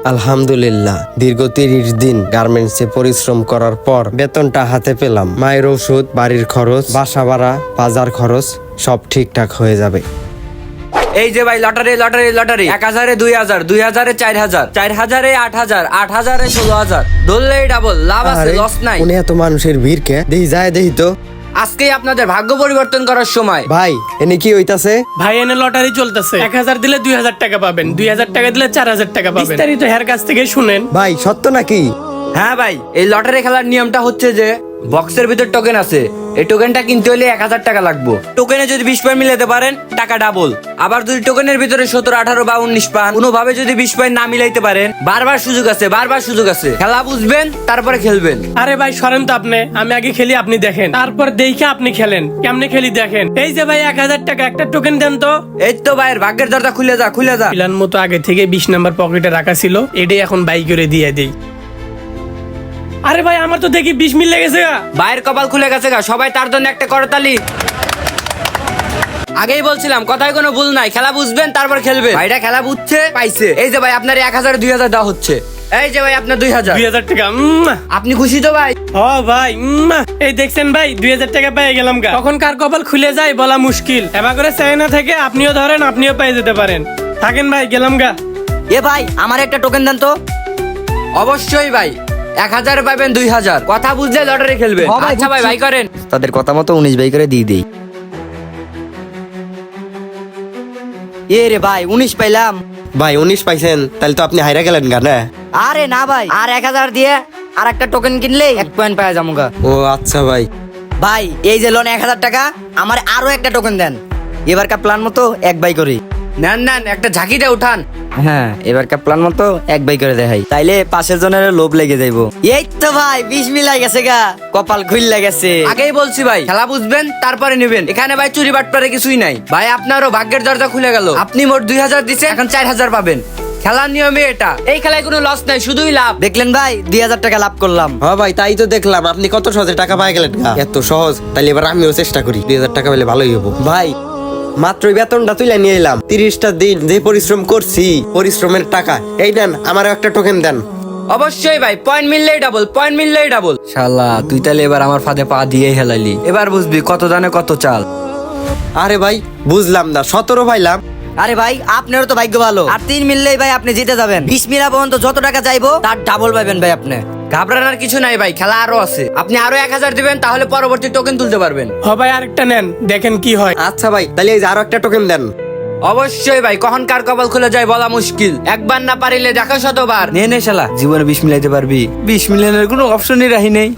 আলহামদুলিল্লাহ, দীর্ঘ 30 দিন গার্মেন্টসে পরিশ্রম করার পর বেতনটা হাতে পেলাম। মায়ের ওষুধ, বাড়ির খরচ, বাসা ভাড়া, বাজার খরচ সব ঠিকঠাক হয়ে যাবে। এই যে ভাই লটারি লটারি লটারি 1000-এ 2000, 2000-এ 4000, 4000-এ 8000, 8000-এ 16000, ধরলেই ডাবল লাভ আছে, আরে, লস নাই। উনি এত মানুষের ভিড় কে দেই যায় দেই তো। আজকেই আপনাদের ভাগ্য পরিবর্তন করার সময়। ভাই এনে কি হইতাছে? ভাই এনে লটারি চলতেছে, 1000 দিলে 2000 টাকা পাবেন, 2000 টাকা দিলে 4000 টাকা পাবেন। বিস্তারিত হের কাছ থেকে শুনেন। ভাই সত্য নাকি? হ্যাঁ ভাই, এই লটারি খেলার নিয়মটা হচ্ছে যে বক্সের ভিতর টোকেন আছে, এই টোকেনটা কিনতে হলে 1000 টাকা লাগবে। টোকেনে যদি 20 পয়েন্ট মিলাতে পারেন টাকা ডাবল। আবার যদি টোকেনের ভিতরে 17, 18 বা 19 পান, কোনোভাবে যদি 20 পয়েন্ট না মিলাইতে পারেন, বারবার সুযোগ আছে, বারবার সুযোগ আছে। খেলা বুঝবেন তারপরে খেলবেন। আরে ভাই সরেন তো আপনি, আমি আগে খেলি আপনি দেখেন, তারপর দেখে আপনি খেলেন। কেমনে খেলি দেখেন। এই যে ভাই 1000 টাকা একটা টোকেন দেন তো। এই তো ভাইয়ের ভাগ্যের দরজা খুলে যা, খুলে যা। প্ল্যান মতো আগে থেকে 20 নাম্বার পকেটে রাখা ছিল, এটাই এখন বাই করে দিয়ে দেই। আরে ভাই আমার তো দেখি 20 মিল লেগেছে গা। ভাইয়ের কপাল খুলে গেছে গা, সবাই তার জন্য একটা করতালি। আগেই বলছিলাম কথায় কোনো ভুল নাই, খেলা বুঝবেন তারপর খেলবেন। ভাইটা খেলা বুঝছে, পাইছে। এই যে ভাই আপনার 1000, 2000 দেওয়া হচ্ছে। এই যে ভাই আপনার 2000। 2000 টাকা। আপনি খুশি তো ভাই? ও ভাই এই দেখছেন ভাই 2000 টাকা পেয়ে গেলাম গা। তখন কার কপাল খুলে যায় বলা মুশকিল। এবার করে চাই না থেকে আপনিও ধরেন, আপনিও পেয়ে যেতে পারেন। থাকেন ভাই, গেলাম গা। এ ভাই আমার একটা টোকেন দেন তো। অবশ্যই ভাই, 1000 পাবেন 2000। কথা বুঝলে লটারি খেলবে। ও ভাই, আচ্ছা ভাই, বুঝছি। ভাই করেন। তাদের কথা মতো 19 বাই করে দিয়ে দেই। এ রে ভাই 19 পাইলাম। ভাই 19 পাইছেন, তাহলে তো আপনি হাইরা গেলেন গা না? আরে না ভাই, আর 1000 দিয়ে আর একটা টোকেন কিনলে 1 পয়েন্ট পাওয়া যাবো গা। ও আচ্ছা ভাই। ভাই এই যে লোন 1000 টাকা, আমার আরো একটা টোকেন দেন। এবারকার প্ল্যান মতো 1 বাই করি। নেন নেন, একটা ঝাঁকিতে উঠান। হ্যাঁ এবারকার প্ল্যান মতো 1 বাই করে দেখাই, তাইলে পাশের জনের লোভ লেগে যাইবো। এই তো ভাই 20 মিলাই গেছে গা, কপাল খুইল্লা গেছে। আগেই বলছি ভাই, খেলা বুঝবেন তারপরে নেবেন। এখানে ভাই চুরি বাটপারে কিছুই নাই। ভাই আপনারও ভাগ্যের দরজা খুলে গেল। আপনি মোট 2000 দিচ্ছে, এখন 4000 পাবেন। খেলার নিয়মে এটা। এই খেলায় কোনো লস নাই, শুধুই লাভ। দেখলেন ভাই 2000 টাকা লাভ করলাম। হ্যাঁ ভাই, তাই তো দেখলাম আপনি কত সহজে টাকা পাই গেলেন গা। এত সহজ, তাহলে এবার আমিও চেষ্টা করি। 2000 টাকা পেলে ভালোই হবো। ভাই মাত্রই বেতনটা তুলে নিয়ে এলাম। 30টা দিন যে পরিশ্রম করছি, পরিশ্রমের টাকা এই নেন, আমারও একটা টোকেন দেন। অবশ্যই ভাই, পয়েন্ট মিললেই ডাবল, পয়েন্ট মিললেই ডাবল। শালা তুই তাহলে এবার আমার ফাঁদে পা দিয়ে হেলাইলি। এবার বুঝবি কত দানে কত চাল। আরে ভাই বুঝলাম না, 17 পাইলাম। আরে ভাই আপনারও তো ভাগ্য ভালো, আর 3 মিললেই ভাই আপনি জিতে যাবেন। 20 মিলা পর্যন্ত যত টাকা চাইবো তার ডাবল পাবেন ভাই আপনি। ঘাবড়ানোর কিছু নাই ভাই, খেলা আরো আছে। আপনি আরো 1000 দিবেন, তাহলে পরবর্তী টোকেন তুলতে পারবেন। হ ভাই আরেকটা নেন, দেখেন কি হয়। আচ্ছা ভাই, তাহলে এই যে আরো একটা টোকেন দেন। অবশ্যই ভাই, কখন কার কপাল খুলে যায় বলা মুশকিল। একবার না পারিলে দেখো শতবার। নে নে শালা, জীবনে 20 মিলাইতে পারবি? 20 মিলানোর কোনো অপশনই রাহি নেই।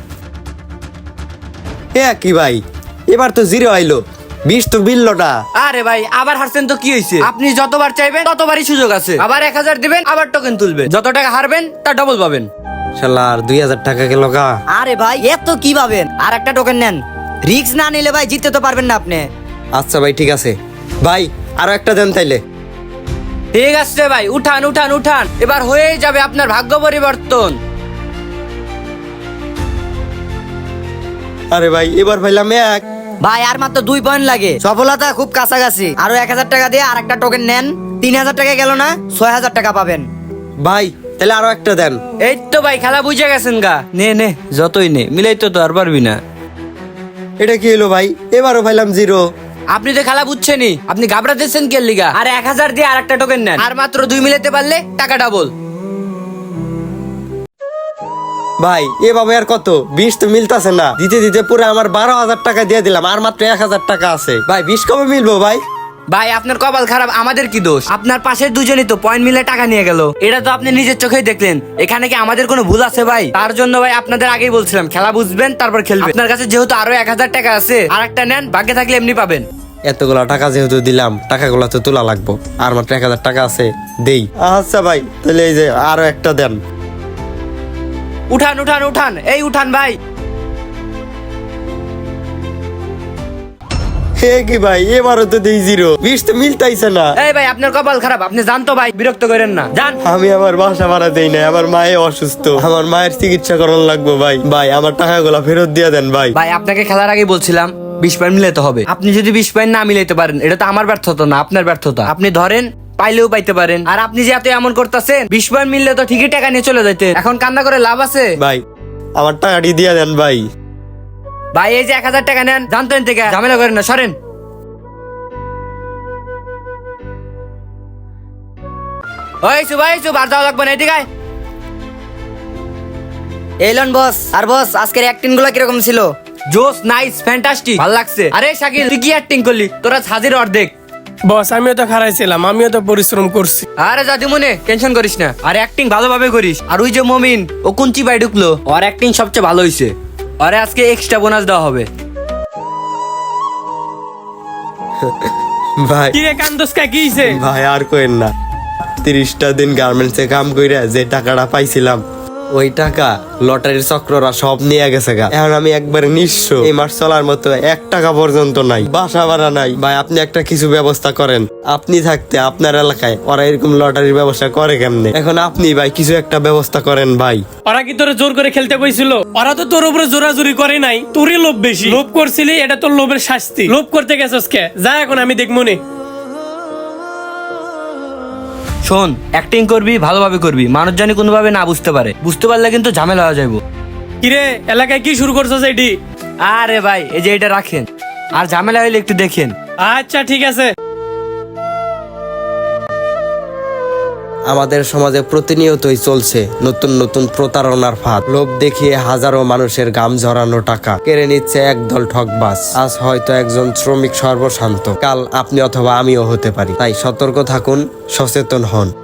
এ কি ভাই, এবার তো 0 আইলো, 20 তো মিললো না। আরে ভাই আবার হারছেন তো কি হয়েছে? আপনি যতবার চাইবেন ততবারই সুযোগ আছে। আবার 1000 দিবেন, আবার টোকেন তুলবেন। যত টাকা হারবেন তার ডবল পাবেন। শালা আর 2000 টাকা গেল গা। আরে ভাই এত কি পাবেন, আর একটা টোকেন নেন। রিস্ক না নিলে ভাই জিততে তো পারবেন না আপনি। আচ্ছা ভাই ঠিক আছে, ভাই আরো একটা দেন তাইলে। ঠিক আছে ভাই, উঠান উঠান উঠান, এবার হয়েই যাবে আপনার ভাগ্য পরিবর্তন। আরে ভাই এবার পাইলাম 1। ভাই আর মাত্র 2 পয়েন্ট লাগে, সফলতা খুব কাছাকাছি। আরো 1000 টাকা দিয়ে আর একটা টোকেন নেন। 3000 টাকা গেল না, 6000 টাকা পাবেন। ভাই তাহলে আরো একটা দেন। এই তো ভাই, খেলা বুঝে গেছেন গা। নে নে, যতই নে, মিলাই তো আর পারবি না। এটা কি হলো ভাই, এবারও পাইলাম 0। আপনি তো খেলা বুঝছেনই, আপনি ঘাবড়াতেছেন কে লিগা? আর 1000 দিয়ে আর একটা টোকেন নেন, আর মাত্র 2 মিলাতে পারলে টাকা ডাবল। ভাই এভাবে আর কত, 20 তো মিলতাছে না। দিতে দিতে পুরো আমার 12,000 টাকা দিয়ে দিলাম, আর মাত্র 1000 টাকা আছে। ভাই 20 কবে মিলবো ভাই? ভাই আপনার কপাল খারাপ, আমাদের কি দোষ? আপনার পাশের দুজনই তো পয়েন্ট মিলে টাকা নিয়ে গেল। এটা তো আপনি নিজের চোখেই দেখলেন। এখানে কি আমাদের কোনো ভুল আছে ভাই? তার জন্য ভাই আপনাদের আগেই বলছিলাম, খেলা বুঝবেন তারপর খেলবেন। আপনার কাছে যেহেতু আরো 1000 টাকা আছে, আর একটা নেন, ভাগ্যে থাকলে এমনি পাবেন। এতগুলা টাকা যেহেতু দিলাম, টাকাগুলা তো তোলা লাগবো। আর মাত্র 1000 টাকা আছে, দেই। আচ্ছা ভাই, তাহলে এই যে আরো একটা দেন। উঠান উঠান উঠান, এই উঠান ভাই। হে কি ভাই, এবারও তো দেই 0, 20 তো মিলতাইছে না। এই ভাই আপনার কপাল খারাপ, আপনি জানতো ভাই, বিরক্ত করেন না, জান। আমি আমার বাসা ভাড়া দেই না, আমার মায়ে অসুস্থ, আমার মায়ের চিকিৎসা করানো লাগবো ভাই। ভাই আমার টাকাগুলা ফেরত দিয়ে দেন ভাই। ভাই আপনাকে খেলার আগে বলছিলাম 20 পয়েন্ট মিলাতে হবে। আপনি যদি 20 পয়েন্ট না মিলাইতে পারেন, এটা তো আমার ব্যর্থতা না, আপনার ব্যর্থতা। আপনি ধরেন পাইলেও পাইতে পারেন। আর আপনি যে এত এমন করতেছেন, 20 বার মিললে তো ঠিকই টাকা নিয়ে চলে যাইতে। এখন কান্না করে লাভ আছে? ভাই আমার টাকাটি দিয়ে দেন ভাই। ভাই এই যে 1000 টাকা নেন, জানতেন থেকে ঝামেলা করেন না, সরেন। ওই সুব আর যাওয়া লাগবে না, এদিকে আয়। এলন বস। আর বস আজকের অ্যাক্টিং গুলো কিরকম ছিল? জোস, নাইস, ফ্যান্টাস্টিক, ভালো লাগছে। আরে শাকিল, তুই কি অ্যাক্টিং করলি? তোরা হাজির অর্ধেক। বস আমিও তো খারাইছিলাম, আমিও তো পরিশ্রম করছি। আরে জাদি মনে টেনশন করিস না, আর অ্যাক্টিং ভালোভাবে করিস। আর ওই যে মমিন, ও কুঞ্চি বাই ঢুকলো, ওর অ্যাক্টিং সবচেয়ে ভালো হয়েছে। আরে আজকে এক্সট্রা বোনাস দেওয়া হবে। ভাই কি রে কান্দোসকা, কি হইছে? ভাই আর কোয়েন না, 30টা দিন গার্মেন্টসে কাম কইরা যে টাকাটা পাইছিলাম, ওই টাকা লটারির চক্ররা সব নিয়ে গেছে গা। এখন আমি একবারে নিঃস্ব, এই মাস চলার মতো 1 টাকা পর্যন্ত নাই, বাসা ভাড়া নাই। ভাই আপনি একটা কিছু ব্যবস্থা করেন। আপনি থাকতে আপনার এলাকায় ওরা এরকম লটারির ব্যবস্থা করে কেমনে? এখন আপনি ভাই কিছু একটা ব্যবস্থা করেন ভাই। ওরা কি তোরে জোর করে খেলতে কইছিল? ওরা তো তোর উপরে জোরাজুরি করে নাই, তোরই লোভ বেশি। লোভ করছিলি, এটা তোর লোভের শাস্তি। লোভ করতে গেছস কে? যা এখন আমি দেখবো নে। শোন, অ্যাক্টিং করবি, ভালোভাবে করবি, মানুষ জানি কোনোভাবে না বুঝতে পারে। বুঝতে পারলে কিন্তু ঝামেলা হয়ে যাবো। কিরে এলাকায় কি শুরু করছস এটি? আরে ভাই এই যে এটা রাখেন, আর ঝামেলা হইলে একটু দেখেন। আচ্ছা ঠিক আছে। আমাদের সমাজে প্রতিনিয়তই চলছে নতুন নতুন প্রতারণার ফাঁদ। লোভ দেখিয়ে হাজারো মানুষের গাম ঝরানো টাকা কেড়ে নিচ্ছে একদল ঠকবাজ। আজ হয়তো একজন শ্রমিক সর্বশান্ত, কাল আপনি অথবা আমিও হতে পারি। তাই সতর্ক থাকুন, সচেতন হন।